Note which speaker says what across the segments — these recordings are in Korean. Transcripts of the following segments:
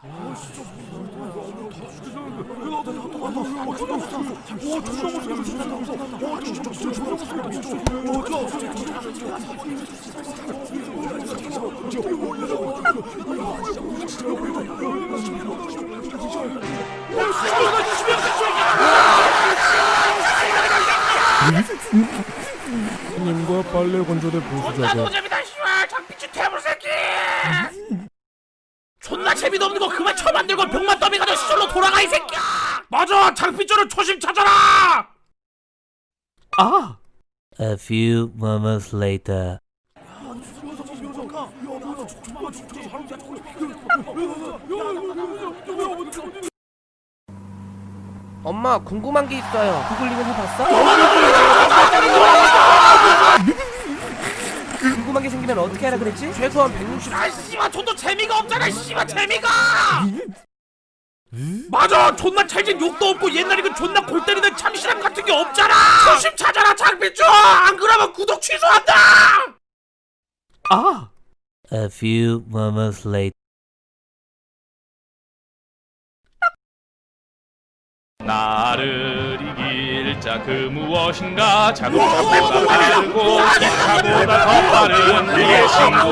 Speaker 1: 님과 빨래 건조대 보수자가
Speaker 2: 존나 노잼이다 씨발 장피치 태블 새끼. 존나 재미도 없는 거 그만 처만들고 병만 더빙하자 시절로 돌아가 이 새끼야. 맞아 장피줄을 초심 찾아라. 아
Speaker 3: A few moments later.
Speaker 4: 엄마 궁금한 게 있어요. 구글링은 해봤어? 궁금한 게 생기면 어떻게 하라 그랬지? 최소한 160.
Speaker 2: 아 씨발 존나 재미가 없잖아 씨발 재미가. 맞아 존나 찰진 욕도 없고 옛날에 그 존나 골 때리는 참신함 같은 게 없잖아. 초심 찾아라 장피줄. 안 그러면 구독 취소한다. 아
Speaker 3: A few moments later.
Speaker 5: 나를 이길 자 그 무엇인가 자동차보다 빠르고 기차보다 더 빠른 우리의 친구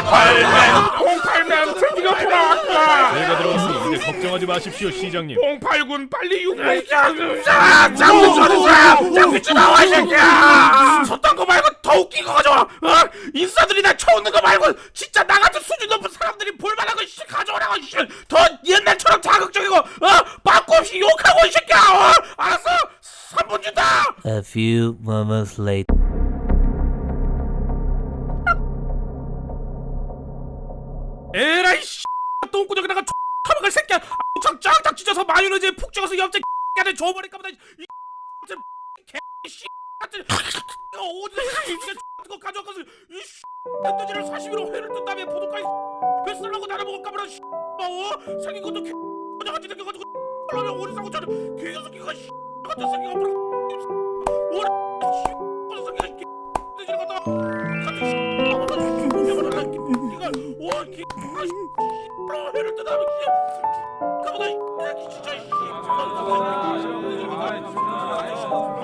Speaker 5: 08맨 드디어 돌아왔다. 내가 들어왔으니 이제 걱정하지 마십시오 시장님. 08군 빨리 6번
Speaker 2: 장피줄 나와 이 새끼야. 섰던 거 말고 더 웃긴 거 가져와. 인싸들이 나 쳐오는 거 말고 진짜 나 같은 수준 높은 사람들이 볼만한 거 씨 가져오라고. 더 옛날처럼 자극적이고 빠꾸 없이 욕하고 이 새끼야. 알았어 3분 준다.
Speaker 3: A few moments later.
Speaker 2: 에라이 씨 똥구멍에다가 처먹을 새끼야. 쫙쫙 찢어서 마요네즈에 푹 찍어서 옆에 안에 줘버릴까 보다. 이 개씨 같은 어디서 이게 거 가져가서 이 뜯지를 사시미로 회를 뜬 다음에 포도까지 뱃살라고 나눠 먹을까 보다. 생긴 것도 개 같이 생겨가지고 그러면 오리사고처럼 개새끼가 씨 같은 새끼가 뭐라 오리 씨 새끼가 뜯지를 갖다 같은 씨 이걸 와 개 회를 뜬 다음에 가보다 이 새끼 진짜 씨